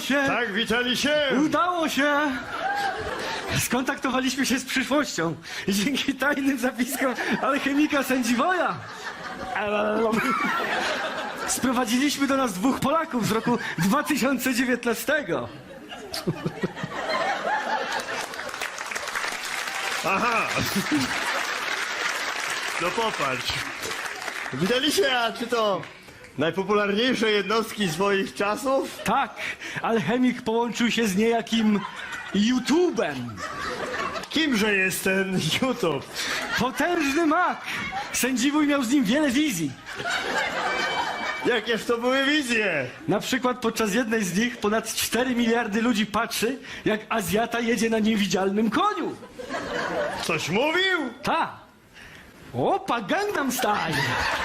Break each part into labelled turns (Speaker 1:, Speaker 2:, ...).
Speaker 1: się!
Speaker 2: Tak, witali się!
Speaker 1: Udało się! Skontaktowaliśmy się z przyszłością i dzięki tajnym zapiskom alchemika Sędziwoja sprowadziliśmy do nas 2 Polaków z roku 2019.
Speaker 2: Aha! No popatrz. Witali się, a czy to najpopularniejsze jednostki swoich czasów?
Speaker 1: Tak, alchemik połączył się z niejakim YouTube'em.
Speaker 2: Kimże jest ten YouTube?
Speaker 1: Potężny mak! Sędziwój miał z nim wiele wizji.
Speaker 2: Jakież to były wizje?
Speaker 1: Na przykład podczas jednej z nich ponad 4 miliardy ludzi patrzy, jak Azjata jedzie na niewidzialnym koniu.
Speaker 2: Coś mówił?
Speaker 1: Ta! Opa, Gangnam Style!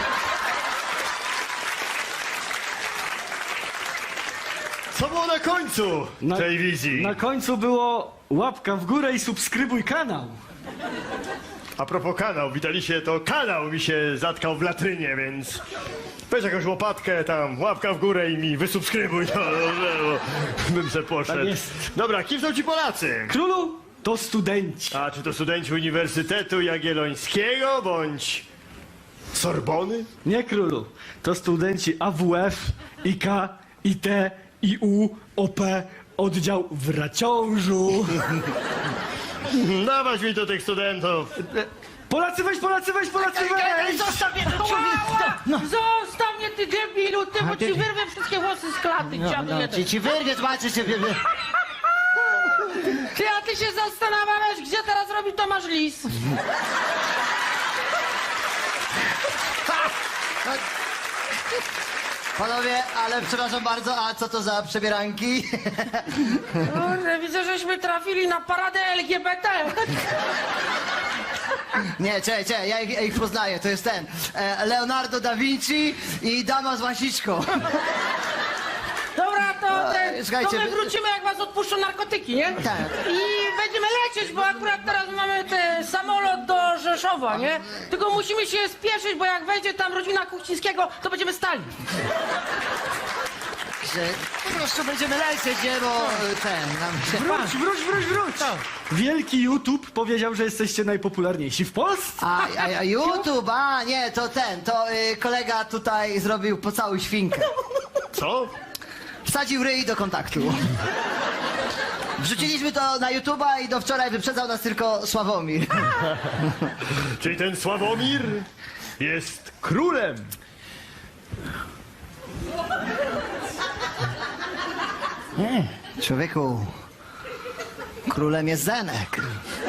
Speaker 2: Co było na końcu tej wizji?
Speaker 1: Na końcu było łapka w górę i subskrybuj kanał.
Speaker 2: A propos kanał, witali się, to kanał mi się zatkał w latrynie, więc weź jakąś łopatkę tam, łapka w górę i mi wysubskrybuj, no dobrze, bo bym se poszedł.
Speaker 1: Tak jest.
Speaker 2: Dobra, kim są ci Polacy?
Speaker 1: Królu to studenci.
Speaker 2: A czy to studenci Uniwersytetu Jagiellońskiego, bądź Sorbony?
Speaker 1: Nie królu, to studenci AWF, IK, IT, IU, OP, oddział w Raciążu.
Speaker 2: Dawać mi to tych studentów.
Speaker 1: Polacy weź, Polacy weź, Polacy weź!
Speaker 3: Zostaw mnie, Zostaw mnie, ty debilu, ty, bo ci wyrwę wszystkie włosy z klaty, dziadu jeden.
Speaker 4: Ci wyrwie, zobaczysz się.
Speaker 3: Ty, a ty się zastanawiasz, gdzie teraz robi Tomasz Lis?
Speaker 4: Panowie, ale przepraszam bardzo, a co to za przebieranki?
Speaker 3: Kurde, widzę, żeśmy trafili na paradę LGBT.
Speaker 4: Nie, czekaj, ja ich poznaję, to jest ten. Leonardo da Vinci i dama z łasiczką.
Speaker 3: Dobra, to
Speaker 4: słuchajcie,
Speaker 3: my wrócimy, jak was odpuszczą narkotyki, nie?
Speaker 4: Tak.
Speaker 3: I będziemy lecieć, bo akurat teraz mamy samolot do Rzeszowa, nie? Tylko musimy się spieszyć, bo jak wejdzie tam rodzina Kuchcińskiego, to będziemy stali.
Speaker 4: Że po prostu będziemy lecieć, nie, bo nam się...
Speaker 1: Wróć! Wielki YouTube powiedział, że jesteście najpopularniejsi w Polsce.
Speaker 4: A YouTube, nie, to kolega tutaj zrobił po całą świnkę.
Speaker 2: Co?
Speaker 4: Wsadził ryj do kontaktu. Wrzuciliśmy to na YouTube'a i do wczoraj wyprzedzał nas tylko Sławomir.
Speaker 2: Czyli ten Sławomir jest królem.
Speaker 4: Człowieku, królem jest Zenek.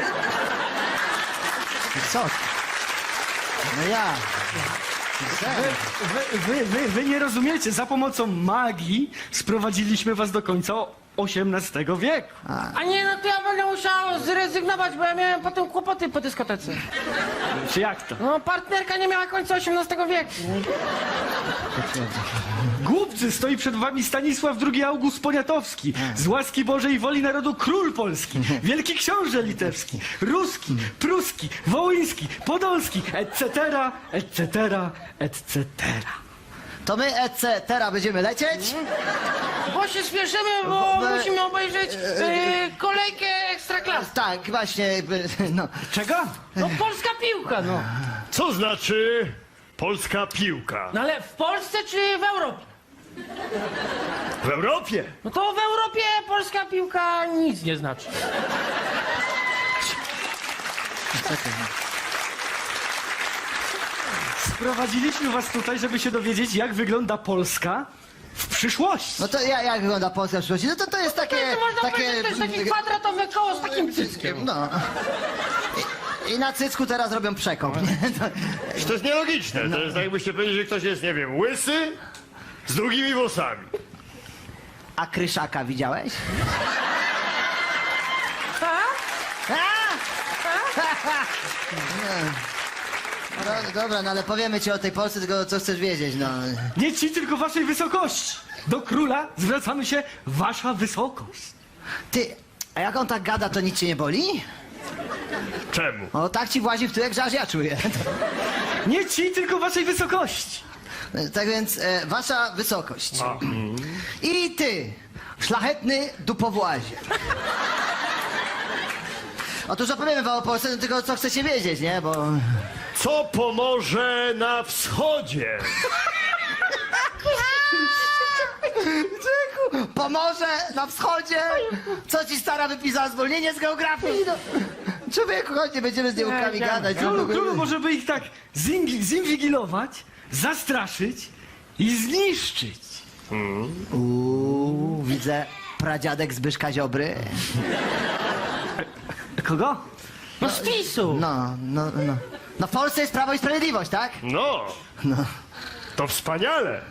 Speaker 4: Co? No ja. Zenek.
Speaker 1: Wy nie rozumiecie, za pomocą magii sprowadziliśmy was do końca XVIII wieku.
Speaker 3: A nie, no to ja będę musiał zrezygnować, bo ja miałem potem kłopoty po dyskotece.
Speaker 1: Czy jak to?
Speaker 3: No, partnerka nie miała końca XVIII wieku.
Speaker 1: Głupcy, stoi przed wami Stanisław II August Poniatowski, z łaski Bożej woli narodu król polski, wielki książę litewski, ruski, pruski, wołyński, podolski, etc., etc., etc.
Speaker 4: To my, teraz będziemy lecieć?
Speaker 3: Bo się spieszymy, bo musimy obejrzeć kolejkę ekstraklasy.
Speaker 4: Tak, właśnie, no.
Speaker 1: Czego?
Speaker 3: No, polska piłka, no.
Speaker 2: Co znaczy polska piłka?
Speaker 3: No ale w Polsce czy w Europie?
Speaker 2: W Europie?
Speaker 3: No to w Europie polska piłka nic nie znaczy.
Speaker 1: Sprowadziliśmy was tutaj, żeby się dowiedzieć, jak wygląda Polska w przyszłości.
Speaker 4: No to jak wygląda Polska w przyszłości? No to jest takie...
Speaker 3: To można powiedzieć, to jest takie kwadratowe koło z takim cyckiem.
Speaker 4: No. I na cycku teraz robią przekop, nie?
Speaker 2: To jest nielogiczne. To jest tak, jakbyście powiedzieli, że ktoś jest, nie wiem, łysy z długimi włosami.
Speaker 4: A Kryszaka widziałeś? No, dobra, no ale powiemy ci o tej Polsce, tylko co chcesz wiedzieć, no.
Speaker 1: Nie ci, tylko waszej wysokości. Do króla zwracamy się wasza wysokość.
Speaker 4: Ty, a jak on tak gada, to nic cię nie boli?
Speaker 2: Czemu?
Speaker 4: O, tak ci włazi w tyłek, że aż ja czuję.
Speaker 1: Nie ci, tylko waszej wysokości.
Speaker 4: Tak więc, wasza wysokość. I ty, Szlachetny dupowłazie. Otóż opowiemy wam o Polsce, no tylko co chcecie wiedzieć, nie? Bo...
Speaker 2: Co pomoże na wschodzie?
Speaker 4: Pomoże na wschodzie? Co ci stara wypisała zwolnienie z geografii? No. Człowieku, chodź, nie będziemy z nieukami gadać.
Speaker 1: Królu, może by ich tak zinwigilować, zastraszyć i zniszczyć.
Speaker 4: Widzę pradziadek Zbyszka Ziobry.
Speaker 1: Kogo?
Speaker 3: No z PiS-u.
Speaker 4: No w Polsce jest Prawo i Sprawiedliwość, tak?
Speaker 2: No, to wspaniale.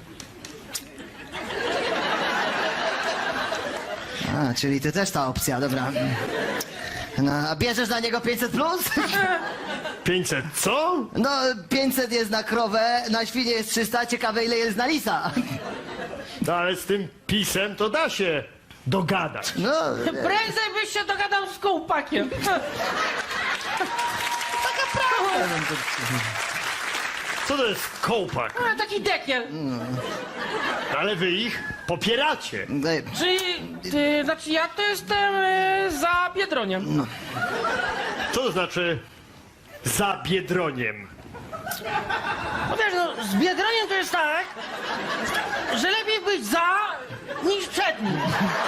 Speaker 4: A, czyli ty też ta opcja, dobra. No, a bierzesz na niego 500+? Plus?
Speaker 2: 500 co?
Speaker 4: No, 500 jest na krowę, na świnie jest 300, ciekawe ile jest na lisa.
Speaker 2: No ale z tym pisem to da się dogadać.
Speaker 4: No,
Speaker 3: Prędzej byś się dogadał z kołpakiem.
Speaker 2: Co to jest kołpak?
Speaker 3: A, taki dekiel.
Speaker 2: Ale wy ich popieracie.
Speaker 3: Czyli, znaczy ja to jestem za Biedroniem.
Speaker 2: Co to znaczy za Biedroniem?
Speaker 3: No wiesz, no, z Biedroniem to jest tak, że lepiej być za niż przed nim.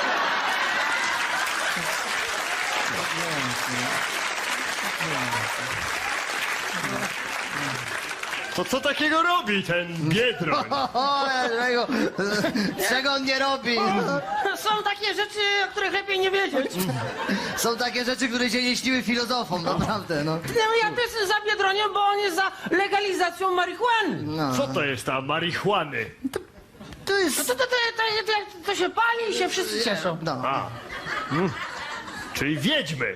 Speaker 2: To co takiego robi ten Biedroń?
Speaker 4: o, czego on nie robi?
Speaker 3: Są takie rzeczy, o których lepiej nie wiedzieć.
Speaker 4: Są takie rzeczy, które się nie śniły filozofom, naprawdę, no.
Speaker 3: No, ja też jestem za Biedroniem, bo on jest za legalizacją marihuany.
Speaker 2: Co to jest ta marihuany?
Speaker 4: To jest...
Speaker 3: To się pali i się wszyscy cieszą.
Speaker 4: No.
Speaker 2: Czyli wiedźmy.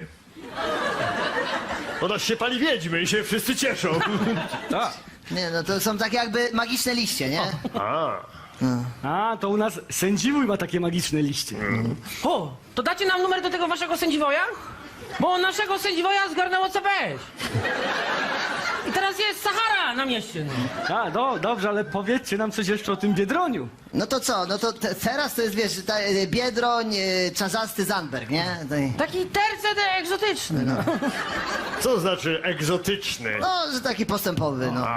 Speaker 2: Ona się pali wiedźmy i się wszyscy cieszą.
Speaker 1: Tak.
Speaker 4: Nie, no to są takie jakby magiczne liście, nie?
Speaker 2: A,
Speaker 1: To u nas sędziwój ma takie magiczne liście.
Speaker 3: O, to dacie nam numer do tego waszego sędziwoja? Bo naszego sędziwoja zgarnęło CPS. I teraz jest Sahara na mieście.
Speaker 1: Dobrze, ale powiedzcie nam coś jeszcze o tym Biedroniu.
Speaker 4: No to co? No to teraz to jest, wiesz, Biedroń, Czarzasty Zandberg, nie?
Speaker 3: Taki tercet egzotyczny. No.
Speaker 2: co to znaczy egzotyczny?
Speaker 4: No, że taki postępowy, no.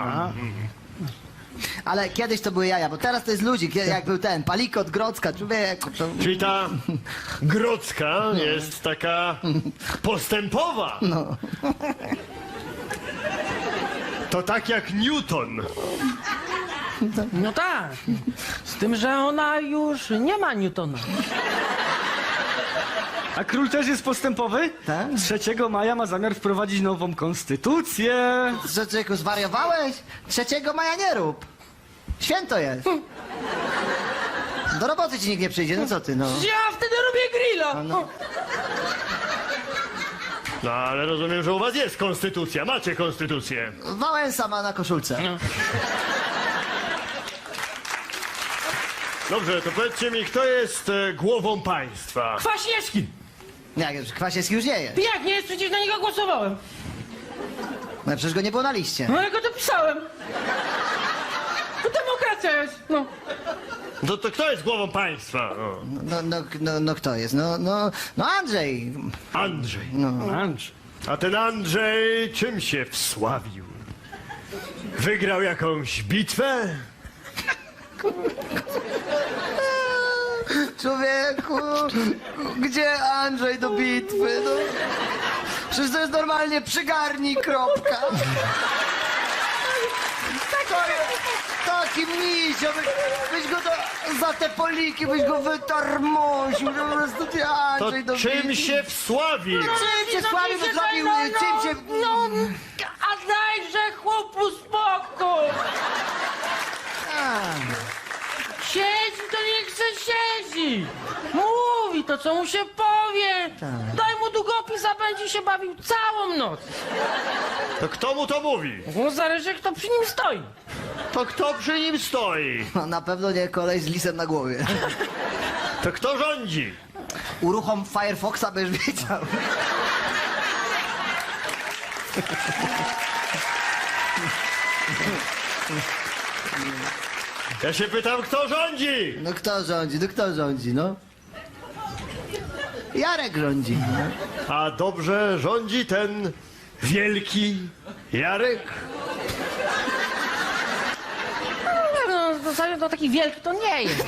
Speaker 4: Ale kiedyś to były jaja, bo teraz to jest ludzi, jak był ten Palikot, Grodzka, człowieku, to...
Speaker 2: Czyli ta Grodzka jest taka postępowa.
Speaker 4: No.
Speaker 2: To tak jak Newton.
Speaker 3: No tak. Z tym, że ona już nie ma Newtona.
Speaker 1: A król też jest postępowy?
Speaker 4: Tak.
Speaker 1: 3 maja ma zamiar wprowadzić nową konstytucję.
Speaker 4: Że człowieku, zwariowałeś? 3 maja nie rób. Święto jest. Do roboty ci nikt nie przyjdzie, no co ty, no.
Speaker 3: Ja wtedy robię grilla.
Speaker 4: No.
Speaker 2: No ale rozumiem, że u was jest konstytucja. Macie konstytucję.
Speaker 4: Wałęsa ma na koszulce.
Speaker 2: Dobrze, to powiedzcie mi, kto jest głową państwa?
Speaker 3: Kwaśniewski.
Speaker 4: Jak, Kwasiewski już nie jest.
Speaker 3: Jak nie jest? Przecież na niego głosowałem.
Speaker 4: No przecież go nie było na liście.
Speaker 3: No ja go dopisałem. To demokracja jest. No.
Speaker 2: To kto jest głową państwa?
Speaker 4: No kto jest? No Andrzej.
Speaker 2: Andrzej.
Speaker 1: Andrzej.
Speaker 2: A ten Andrzej czym się wsławił? Wygrał jakąś bitwę?
Speaker 4: Człowieku, gdzie Andrzej do bitwy? No. Przecież to jest normalnie przygarnij, kropka. Taki misio, byś go za te poliki, byś go wytarmosił, po prostu ty Andrzej do
Speaker 2: To czym
Speaker 4: bitwy.
Speaker 2: się wsławił?
Speaker 4: Czym się sławił, wysławił, czym się...
Speaker 3: A dajże chłopu spokój. Siedzi, to niech se siedzi. Mówi to, co mu się powie. Daj mu długopis, a będzie się bawił całą noc.
Speaker 2: To kto mu to mówi?
Speaker 3: No zależy, kto przy nim stoi.
Speaker 2: To kto przy nim stoi?
Speaker 4: No, na pewno nie kolej z lisem na głowie.
Speaker 2: To kto rządzi?
Speaker 4: Uruchom Firefoxa, będziesz wiedział.
Speaker 2: Ja się pytam, kto rządzi?
Speaker 4: No kto rządzi, no? Jarek rządzi.
Speaker 2: A dobrze rządzi ten wielki Jarek?
Speaker 3: No, w zasadzie to taki wielki to nie jest.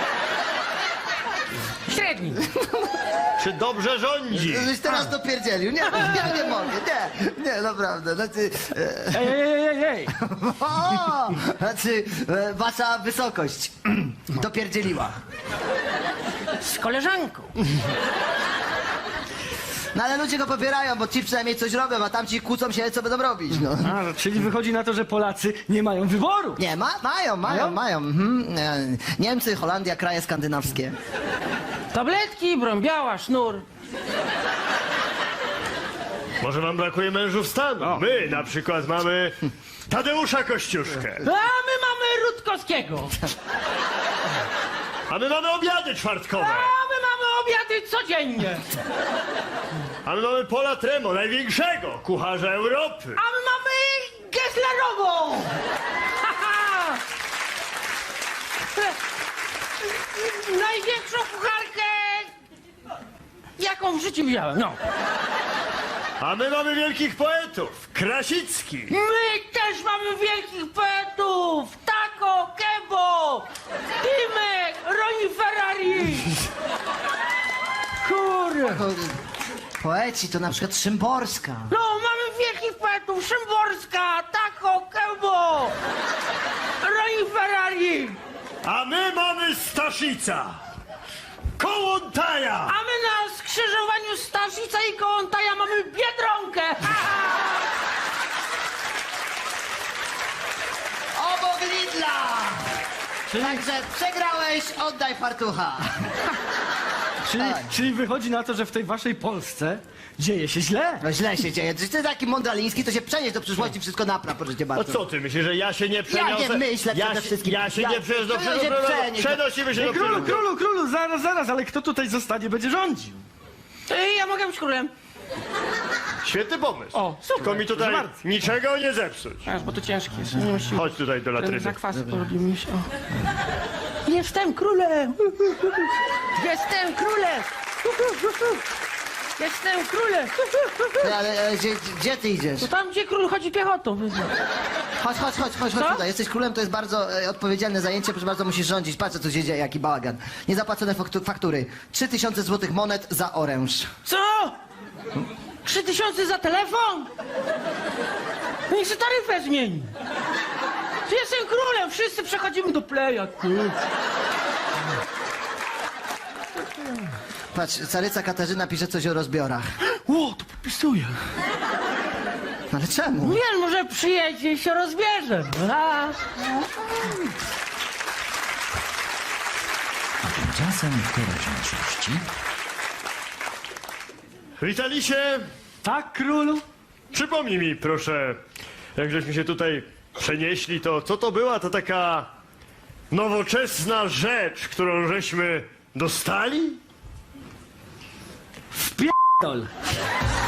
Speaker 3: Średni.
Speaker 2: Czy dobrze rządzi?
Speaker 4: Żeś teraz dopierdzielił. Nie, ja nie mogę. Nie, naprawdę. Znaczy,
Speaker 1: Ej!
Speaker 4: znaczy wasza wysokość dopierdzieliła.
Speaker 3: Z koleżanką.
Speaker 4: No ale ludzie go popierają, bo ci przynajmniej coś robią, a tamci kłócą się, co będą robić, no.
Speaker 1: A, czyli wychodzi na to, że Polacy nie mają wyboru.
Speaker 4: Nie, mają. Niemcy, Holandia, kraje skandynawskie.
Speaker 3: Tabletki, broń biała, sznur.
Speaker 2: Może wam brakuje mężów stanu? My na przykład mamy Tadeusza Kościuszkę.
Speaker 3: A my mamy Rutkowskiego.
Speaker 2: A my mamy obiady czwartkowe.
Speaker 3: A my mamy obiady codziennie.
Speaker 2: A my mamy Pola Tremo, największego kucharza Europy.
Speaker 3: A my mamy Gesslerową. Największą kucharkę, jaką w życiu widziałem, no.
Speaker 2: A my mamy wielkich poetów. Krasicki.
Speaker 3: My też mamy wielkich poetów. Taco, Kebo, Timek, Roni Ferrari. Kurde.
Speaker 4: Poeci to na przykład Szymborska.
Speaker 3: No, mamy wielkich poetów. Szymborska, Taco, Kebo, Roni Ferrari.
Speaker 2: A my mamy Staszica. Kołątaja.
Speaker 3: A my na skrzyżowaniu Staszica i Kołątaja mamy Biedronkę.
Speaker 4: Obok Lidla! Także przegrałeś, oddaj fartucha.
Speaker 1: Czyli wychodzi na to, że w tej waszej Polsce dzieje się źle.
Speaker 4: No źle się dzieje. Ty taki mądraliński, to się przenieś do przyszłości, wszystko napraw, proszę cię
Speaker 2: A
Speaker 4: bardzo.
Speaker 2: co ty myślisz, że ja się nie przeniosę?
Speaker 4: Ja nie myślę przede wszystkim.
Speaker 2: Ja się nie przeniosę do
Speaker 4: Ja się
Speaker 2: przyszłego.
Speaker 4: przenieś.
Speaker 2: Przenosimy się do
Speaker 1: Królu,
Speaker 2: przyszłego.
Speaker 1: zaraz, ale kto tutaj zostanie, będzie rządził?
Speaker 3: Ja mogę być królem.
Speaker 2: Świetny pomysł.
Speaker 3: O, super.
Speaker 2: Tylko mi tutaj
Speaker 1: Proszę bardzo.
Speaker 2: niczego nie zepsuć.
Speaker 3: Aż, bo to ciężkie jest. Nie musimy.
Speaker 2: Chodź tutaj do latryny.
Speaker 3: Zakwasy porobimy się. O. Jestem królem! Jestem królem! Jestem królem!
Speaker 4: Ale gdzie ty idziesz?
Speaker 3: To tam, gdzie król chodzi piechotą.
Speaker 4: Chodź
Speaker 3: Co?
Speaker 4: tutaj. Jesteś królem, to jest bardzo odpowiedzialne zajęcie, proszę bardzo, musisz rządzić. Patrz, co się dzieje, jaki bałagan. Niezapłacone faktury. 3000 złotych monet za oręż.
Speaker 3: Co? 3000 za telefon? Niech się taryfę zmieni. Ty jestem królem, wszyscy przechodzimy do playa.
Speaker 4: Patrz, caryca Katarzyna pisze coś o rozbiorach.
Speaker 3: O, to podpisuję.
Speaker 4: No ale czemu?
Speaker 3: Nie, może przyjedzie i się rozbierze. A.
Speaker 5: Tymczasem w teraźniejszości
Speaker 2: Witaliście.
Speaker 1: Tak, królu?
Speaker 2: Przypomnij mi, proszę, jak żeśmy się tutaj przenieśli, to co to była to taka nowoczesna rzecz, którą żeśmy dostali?
Speaker 1: Wpierdol.